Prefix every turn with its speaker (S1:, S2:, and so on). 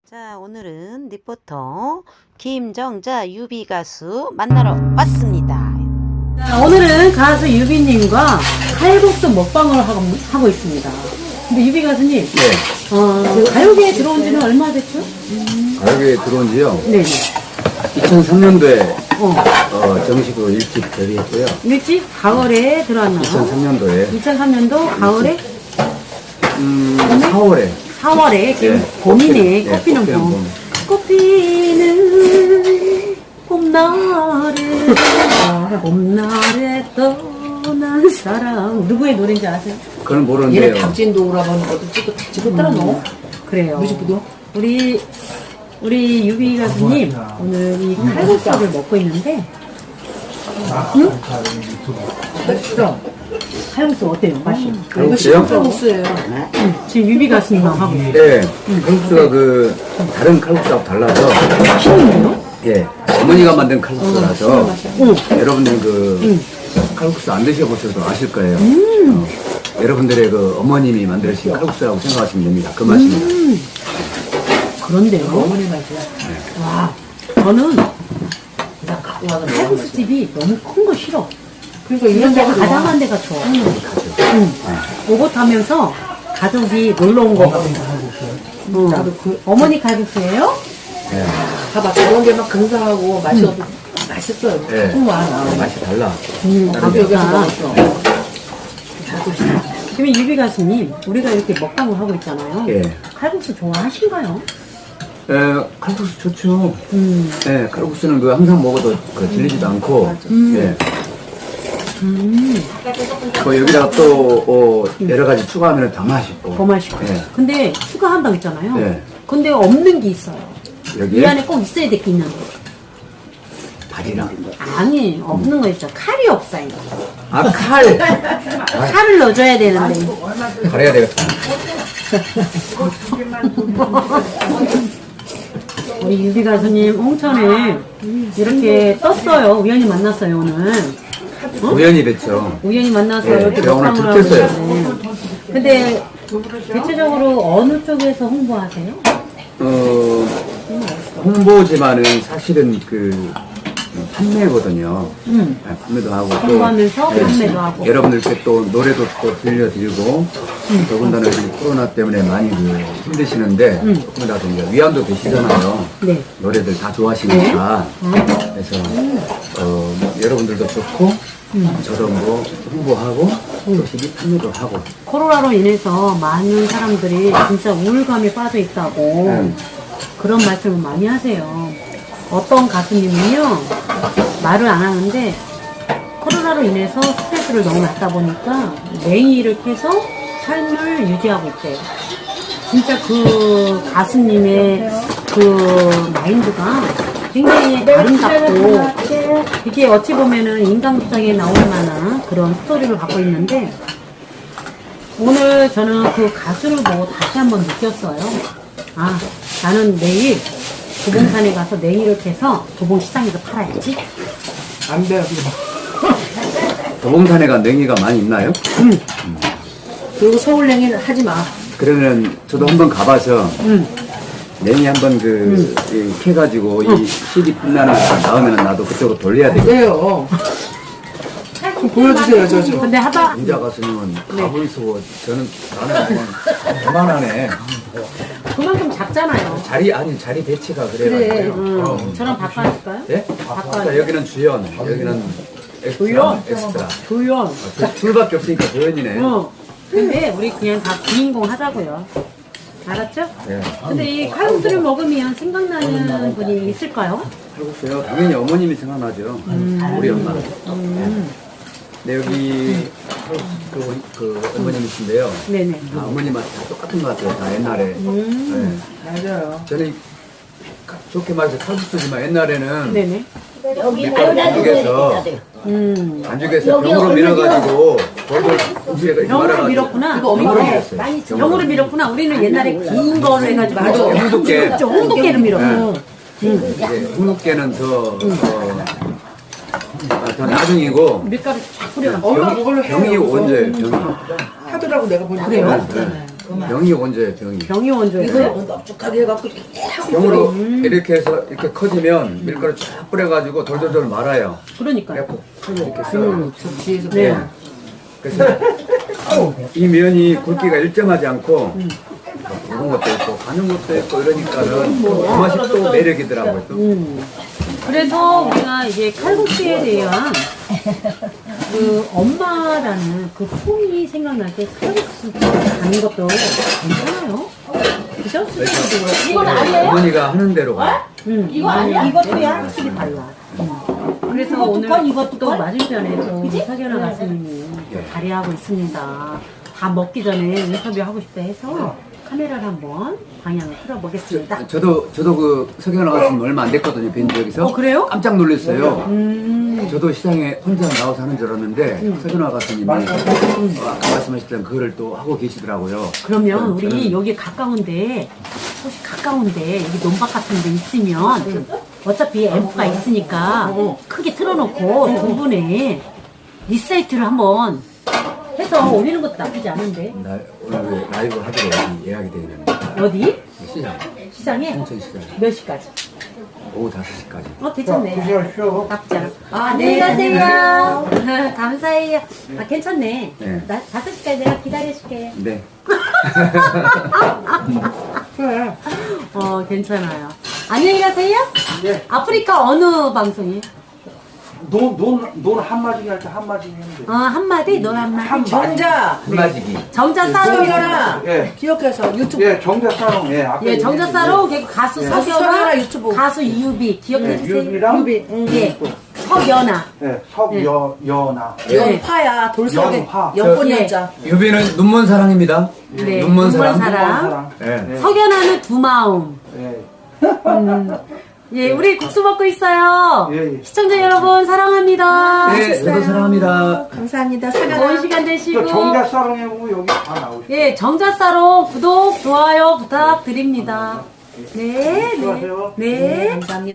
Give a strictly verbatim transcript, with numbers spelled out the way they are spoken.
S1: 자, 오늘은 리포터 김정자 유비 가수 만나러 왔습니다.
S2: 자, 오늘은 가수 유비님과 칼국수 먹방을 하고, 하고 있습니다. 근데 유비 가수님,
S3: 네.
S2: 어, 가요계에 들어온 지는 얼마 됐죠?
S3: 가요계에 들어온 지요.
S2: 네네.
S3: 이천삼 년도에
S2: 어,
S3: 어, 정식으로 일집 데뷔했고요.
S2: 일찍 가을에 들어왔나요?
S3: 이천삼 년도에
S2: 이천삼 년도 가을에?
S3: 음, 사월에
S2: 사월에 지금
S3: 네.
S2: 봄이네.
S3: 네,
S2: 꽃피는
S3: 꽃피는
S2: 봄.
S3: 봄.
S2: 꽃피는 봄날에 봄날에 떠난 사랑. 누구의 노래인지 아세요?
S3: 그건
S4: 얘네
S3: 모르는데요.
S4: 박진도 오라버니 것도 찍고 다 찍고 따라 넣어.
S2: 그래요.
S4: 뮤직비디오?
S2: 우리 우리 유비 가수님 오늘 이 칼국수를 먹고 있는데, 응?
S4: 맛있어.
S2: 칼국수 어때요? 맛이?
S4: 이거
S3: 칼국수요?
S4: 칼국수예요.
S2: 응. 지금 유비 가수님만 하고 있어요.
S3: 네, 칼국수가 그 다른 칼국수하고 달라서
S2: 신이에요?
S3: 예, 어머니가 만든 칼국수라서
S2: 응.
S3: 여러분들 그
S2: 응.
S3: 칼국수 안 드셔보셔도 아실 거예요.
S2: 음.
S3: 어, 여러분들의 그 어머님이 만드신 칼국수라고 생각하시면 됩니다. 그 맛입니다.
S2: 음. 그런데요.
S4: 어머니 맛이야.
S2: 와, 저는
S4: 나 갖고 와서
S2: 칼국수 집이 너무 큰 거 싫어.
S4: 그러니까
S2: 이런
S4: 이런
S2: 데가
S4: 데가
S2: 가장한 데가 좋아. 응. 오고 타면서 가족이 놀러 온 거 같아. 응.
S4: 나도 그
S2: 어머니 칼국수예요?
S3: 예,
S4: 봐봐 저런 게 막 근사하고 맛이 없어. 맛있어요.
S3: 예.
S4: 정말 나.
S3: 맛이 달라.
S2: 음,
S4: 나도 여기서
S2: 아,
S4: 먹었어.
S2: 지금 유비 가수님, 우리가 이렇게 먹방을 하고 있잖아요.
S3: 예.
S2: 칼국수 좋아하신가요?
S3: 예, 칼국수 좋죠.
S2: 음,
S3: 예, 칼국수는 그 항상 먹어도 그 질리지도 않고, 예.
S2: 음,
S3: 뭐 여기다가 또 어, 여러 가지 추가하면 더 맛있고.
S2: 더 맛있고.
S3: 예.
S2: 근데 추가한다고 했잖아요.
S3: 네.
S2: 근데 없는 게 있어요.
S3: 여기에
S2: 이 안에 꼭 있어야 될 게 있는데.
S3: 발이랑.
S2: 아니, 없는 거 있어. 칼이 없어요.
S3: 아, 칼!
S2: 칼을 넣어줘야 되는데.
S3: 가려야 되겠다.
S2: 우리 유비 가수님 홍천에 이렇게 떴어요. 우연히 만났어요, 오늘.
S3: 우연히 됐죠.
S2: 우연히 만나서
S3: 네,
S2: 이렇게
S3: 제가 오늘
S2: 먹방을 하고
S3: 듣겠어요.
S2: 있는데. 근데 대체적으로 어느 쪽에서 홍보하세요?
S3: 어, 홍보지만은 사실은 그 판매거든요.
S2: 음.
S3: 네, 판매도 하고. 또
S2: 홍보하면서
S3: 네,
S2: 판매도 하고.
S3: 여러분들께 또 노래도 또 들려드리고, 더군다나 이 코로나 때문에 많이 그 힘드시는데,
S2: 음.
S3: 조금이라도 이제 위안도 되시잖아요.
S2: 네.
S3: 노래들 다 좋아하시니까.
S2: 네.
S3: 그래서, 어, 뭐 여러분들도 좋고, 저도 뭐 홍보하고, 또 시기 판매도 하고.
S2: 코로나로 인해서 많은 사람들이 진짜 우울감에 빠져 있다고
S3: 음.
S2: 그런 말씀을 많이 하세요. 어떤 가수님은요, 말을 안 하는데 코로나로 인해서 스트레스를 너무 받다 보니까 냉이를 캐서 삶을 유지하고 있대요. 진짜 그 가수님의 그 마인드가 굉장히 아름답고, 이게 어찌 보면은 인간극장에 나올 만한 그런 스토리를 갖고 있는데, 오늘 저는 그 가수를 보고 다시 한번 느꼈어요. 아, 나는 내일 도봉산에 가서 냉이를 캐서 도봉시장에서 팔아야지.
S4: 안 돼.
S3: 도봉산에가 냉이가 많이 있나요?
S4: 그리고 서울냉이는 하지 마.
S3: 그러면 저도 한번 가봐서
S2: 응.
S3: 냉이 한번 그 이, 캐가지고 이 씨디 빛나는 거 나오면 나도 그쪽으로 돌려야 되겠다.
S4: 왜요? 그럼 보여주세요, 저 좀.
S2: 근데 하다,
S3: 인자 가수님은 가불수고 저는 나는 뭐 그만하네.
S2: 그만큼 작잖아요.
S3: 자리 아니 자리 배치가
S4: 그래.
S3: 그래가지고.
S2: 응.
S3: 어.
S2: 저랑 바꿔줄까요?
S3: 예?
S2: 바꿔.
S3: 여기는 주연, 여기는 엑스트라.
S2: 주연?
S3: 엑스트라.
S2: 조연.
S3: 아, 둘- 둘밖에 없으니까 조연이네.
S2: 어. 근데 우리 그냥 다 주인공 하자고요. 알았죠?
S3: 예.
S2: 근데 이 칼국수를 먹으면 생각나는 분이 있을까요?
S3: 칼국수요. 당연히 어머님이 생각나죠. 우리 엄마. 예. 네, 여기 그, 그 어머님이신데요.
S2: 네네.
S3: 다 어머님한테 다 똑같은 것 같아요. 다 옛날에.
S2: 음.
S4: 맞아요.
S3: 네. 저는 가- 좋게 말해서 칼국수지만 옛날에는
S2: 네네.
S3: 반죽에서
S2: 음.
S3: 반죽에서 병으로 밀어가지고 돌돌 음식에다 이렇게
S2: 병으로
S3: 말아가지고
S2: 밀었구나.
S3: 병으로 밀었어요.
S2: 병으로 밀었구나. 우리는 옛날에 긴 거로 해가지고.
S4: 맞아.
S3: 홍두깨.
S2: 홍두깨로 밀었어.
S3: 이제 홍두깨는 더, 더, 아, 더 나중이고
S2: 밀가루 쫙 뿌려가지고.
S4: 엄마 그걸로 해요.
S3: 병이 언제 병이
S4: 하더라고 내가 보니까.
S2: 그래요?
S3: 네. 병이 원조예요, 병이.
S2: 병이 원조예요.
S4: 이거 넙죽하게 해갖고 이렇게 하고
S3: 병으로 이렇게 해서 이렇게 커지면 밀가루 쫙 뿌려가지고 돌돌돌 말아요.
S2: 그러니까.
S3: 그래갖고 이렇게 썰어.
S4: 접시에서
S3: 네. 그래서 이 면이 굵기가 일정하지 않고 그런 것도 있고 가는 것도 있고 이러니까는 그 맛이 또 매력이더라고요. 또.
S2: 음. 그래서 우리가 이제 칼국수에 대한 그 엄마라는 그 품이 생각날 때 칼국수 가는 것도 괜찮아요. 그죠?
S3: 이건 아니에요? 어머니가 하는 대로 가.
S2: 응.
S1: 이거 아니야? 이것도야?
S2: 확실히 달라. 응. 그래서
S1: 이것도
S2: 오늘
S1: 건, 이것도
S2: 또
S1: 건?
S2: 맞은편에 또 석연아 가수님이
S3: 예.
S2: 자리하고 있습니다. 다 먹기 전에 인터뷰 하고 싶다 해서 카메라를 한번 방향을 틀어보겠습니다.
S3: 저도 저도 그 석연아 가수님 얼마 안 됐거든요. 뵌 적에서.
S2: 어, 그래요?
S3: 깜짝 놀랐어요.
S2: 음.
S3: 저도 시장에 혼자 나와서 하는 줄 알았는데 석연아 가수님이 아까 말씀하셨던 그거를 또 하고 계시더라고요.
S2: 그러면
S3: 네,
S2: 우리
S3: 저는-
S2: 여기 가까운데 혹시 가까운데 여기 논밭 같은 데 있으면 어차피 앰프가 있으니까 크게 틀어놓고 두 분의 리사이트를 한번 해서 올리는 것도 나쁘지 않은데.
S3: 나 오늘 라이브 하기로 여기 예약이 되어 있는데
S2: 어디?
S3: 시장
S2: 시장에?
S3: 홍천시장
S2: 몇 시까지?
S3: 오후 다섯 시까지.
S2: 어, 괜찮네. 나쁘지 않아. 아, 안녕히 가세요. 감사해요. 아, 괜찮네.
S3: 네.
S2: 나 다섯 시까지 내가 기다려줄게.
S3: 네.
S2: 어, 괜찮아요. 안녕히 가세요.
S5: 네.
S2: 아프리카 어느 방송이에요?
S5: 논, 논, 논 한마디 할 때 한마디 했는데.
S2: 어, 한마디, 너 한마디.
S4: 정자
S3: 한마디기.
S2: 정자 싸로.
S4: 석연아
S5: 예.
S4: 기억해서 유튜브
S5: 예, 정자사롱, 예. 아까
S2: 예, 정자
S5: 얘기했는데.
S2: 싸로, 그리고 가수
S5: 예.
S2: 석연아,
S4: 석연아 유튜브.
S2: 가수 이유비.
S5: 예,
S2: 기억해주세요.
S5: 유비랑,
S4: 유비 응.
S2: 예, 석연아.
S5: 예, 석여, 여나.
S4: 연파야 돌석에
S5: 연파.
S4: 연꽃
S2: 예.
S4: 연자
S3: 유비는 눈먼 사랑입니다.
S2: 네,
S3: 눈먼 사랑.
S2: 눈먼 사랑.
S5: 사랑.
S3: 예.
S5: 예.
S2: 석연아는 두 마음.
S5: 예.
S2: 예, 우리 국수 먹고 있어요.
S5: 예, 예.
S2: 시청자 여러분, 사랑합니다.
S3: 네, 저도 사랑합니다.
S4: 감사합니다
S2: 좋은
S4: 석연아
S2: 시간 되시고.
S5: 저 정자사롱에 보면 여기 다 나오시죠.
S2: 예, 정자사로 구독, 좋아요 부탁드립니다. 네, 네.
S5: 수고하세요.
S2: 네.
S4: 감사합니다.